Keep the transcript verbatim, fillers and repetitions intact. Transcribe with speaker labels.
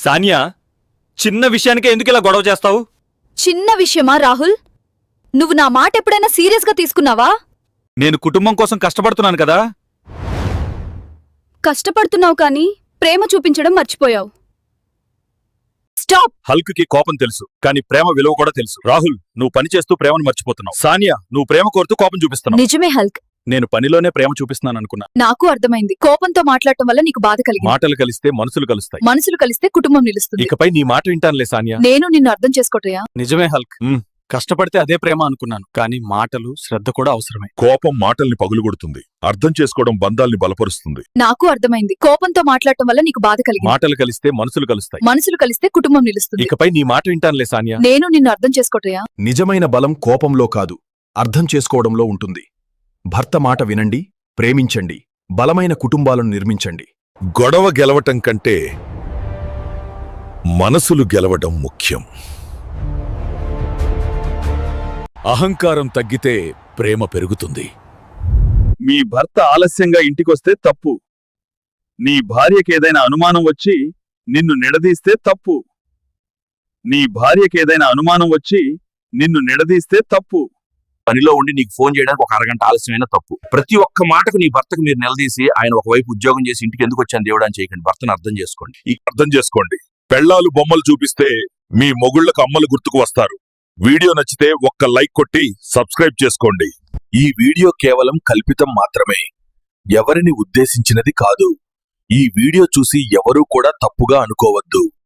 Speaker 1: సానియా, చిన్న విషయానికే ఎందుకు ఇలా గొడవ చేస్తావు?
Speaker 2: చిన్న విషయమా రాహుల్? నువ్వు నా మాట ఎప్పుడైనా సీరియస్గా తీసుకున్నావా?
Speaker 1: నేను కుటుంబం కోసం కష్టపడుతున్నాను కదా.
Speaker 2: కష్టపడుతున్నావు కానీ ప్రేమ చూపించడం మర్చిపోయావు. స్టాప్.
Speaker 1: హల్క్ కి కోపం తెలుసు, కానీ ప్రేమ విలువ కూడా తెలుసు. రాహుల్, నువ్వు పని చేస్తూ ప్రేమను మర్చిపోతున్నావు. సానియా, నువ్వు ప్రేమ కోరుతూ కోపం చూపిస్తున్నావు.
Speaker 2: నిజమే హల్క్,
Speaker 1: నేను పనిలోనే ప్రేమ చూపిస్తున్నాను అనుకున్నా.
Speaker 2: నాకు అర్థమైంది. కోపంతో మాట్లాడటం వల్ల నీకు బాధ కలిగింది.
Speaker 1: మాటలు కలిస్తే మనసులు కలుస్తాయి.
Speaker 2: మనసులు కలిస్తే కుటుంబం నిలుస్తుంది.
Speaker 1: ఇకపై నీ మాట వింటానులే సానియా.
Speaker 2: నేను నిన్ను అర్థం చేసుకోటయా?
Speaker 1: నిజమే హల్క్, కష్టపడితే అదే ప్రేమ అనుకున్నాను, కానీ మాటలు శ్రద్ధ కూడా అవసరమే.
Speaker 3: కోపం మాటల్ని పగులుగొడుతుంది, అర్థం చేసుకోవడం బంధాల్ని బలపరుస్తుంది.
Speaker 2: నాకు అర్థమైంది. కోపంతో మాట్లాడటం వల్ల నీకు బాధ కలిగింది.
Speaker 1: మాటలు కలిస్తే మనసులు కలుస్తాయి.
Speaker 2: మనసులు కలిస్తే కుటుంబం నిలుస్తుంది.
Speaker 1: ఇకపై నీ మాట వింటానులే సానియా.
Speaker 2: నేను నిన్ను అర్థం చేసుకోటయా?
Speaker 4: నిజమైన బలం కోపంలో కాదు, అర్థం చేసుకోవడంలో ఉంటుంది. భర్త మాట వినండి, ప్రేమించండి, బలమైన కుటుంబాలను నిర్మించండి.
Speaker 3: గొడవ గెలవటం కంటే మనసులు గెలవడం ముఖ్యం.
Speaker 1: అహంకారం తగ్గితే ప్రేమ పెరుగుతుంది. మీ భర్త ఆలస్యంగా ఇంటికొస్తే తప్పు. నీ భార్యకేదైనా అనుమానం వచ్చి నిన్ను నిడదీస్తే తప్పు. నీ భార్యకేదైనా అనుమానం వచ్చి నిన్ను నిడదీస్తే తప్పు.
Speaker 5: పనిలో ఉండి నీకు ఫోన్ చేయడానికి ఒక అరగంట ఆలస్యమైన తప్పు. ప్రతి ఒక్క మాటకు నీ భర్తకు మీరు నిలదీసి ఆయన ఒకవైపు ఉద్యోగం చేసి ఇంటికి ఎందుకు వచ్చాను దేవుడు అని చేయకండి. భర్తను అర్థం చేసుకోండి.
Speaker 3: ఈ అర్థం చేసుకోండి. పెళ్ళాలు బొమ్మలు చూపిస్తే మీ మొగుళ్లకు అమ్మలు గుర్తుకు వస్తారు. వీడియో నచ్చితే ఒక్క లైక్ కొట్టి సబ్స్క్రైబ్ చేసుకోండి.
Speaker 5: ఈ వీడియో కేవలం కల్పితం మాత్రమే, ఎవరిని ఉద్దేశించినది కాదు. ఈ వీడియో చూసి ఎవరూ కూడా తప్పుగా అనుకోవద్దు.